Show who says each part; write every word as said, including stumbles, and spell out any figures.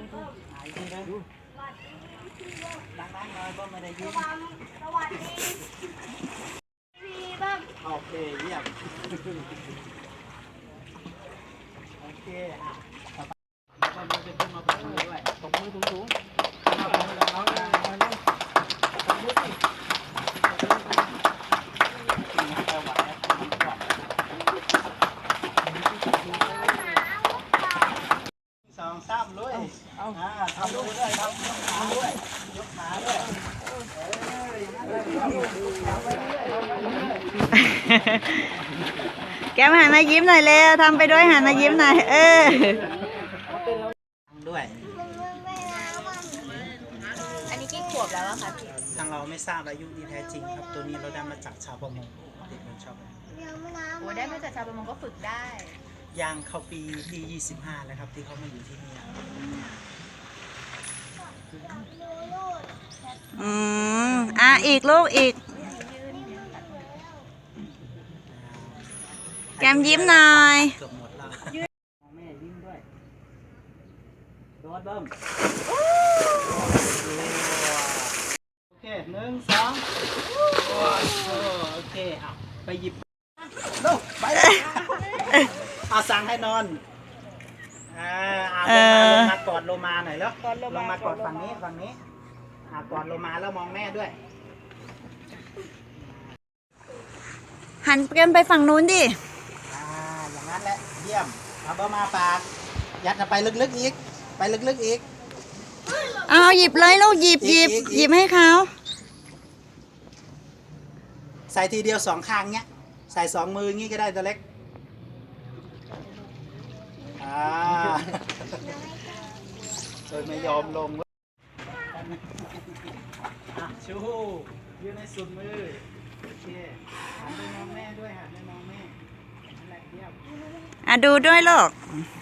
Speaker 1: หายทีนะดังๆหน่อยก็ไม่ได้ยิน
Speaker 2: สวัสดีพี่บ้าง
Speaker 1: โอเคเยี่ยมโอเคอ่ะต่อไปแล้วก็จะขึ้นมาเป็นด้วยตบมือสูงๆเอาไปแล้วเอาเลยเอาเลยตบมือสิสองสามเลยเอาทำด้วยทำยกขาด้วยยกขาด้วย
Speaker 3: แก้มหันมายิ้มหน่อยเร็วทำไปด้วยหันมายิ้มหน่อยเออ
Speaker 1: ด้วย
Speaker 2: อันนี้กี่ขวบแล้วอะคะพี่
Speaker 1: ทางเราไม่ทราบอายุที่แท้จริงครับตัวนี้เราได้มาจากชาวประมงเด็กคนชอบ
Speaker 2: โอ้ได้มาจากชาวประมงก็ฝึกได้
Speaker 1: ย่างเข้าปีที่ยี่สิบห้าแล้วครับที่เขามาอยู่ที่นี่
Speaker 3: อืมอ่ะอีกลูกอีกแก้มยิ้มหน่อย
Speaker 1: เกือบหมดแล้วแม่ยิ้มด้วยโดดเบิ้มโอเคหนึ่งสองโอเคเอาไปหยิบดูไปเอาสั่งให้นอนอ่าลงมากอดโลมาหน่อยแล้วลงมากอดฝั่งนี้ฝั่งนี้อ่ากอดโลมาแล้วมองแม่ด้วย
Speaker 3: หันกันไปฝั่งนู้นดิ
Speaker 1: อ่าอย่างนั้นแหละเยี่ยมเอาเบอร์มาปากยัดไปลึกๆอีกไปลึกๆอีก
Speaker 3: เอาหยิบเลยลูกหยิบหยิบหยิบให้เขา
Speaker 1: ใส่ทีเดียวสองข้างเนี้ยใส่สองมืองี้ก็ได้ตัวเล็กอ่าโดยไม่ยอมลงอ่ะชูยืนในสุดมือโอเคหันไปมองแม่ด้วยหันไปมองแม่นั่นแหละเยี่ยม
Speaker 3: อ่ะดูด้วยลูก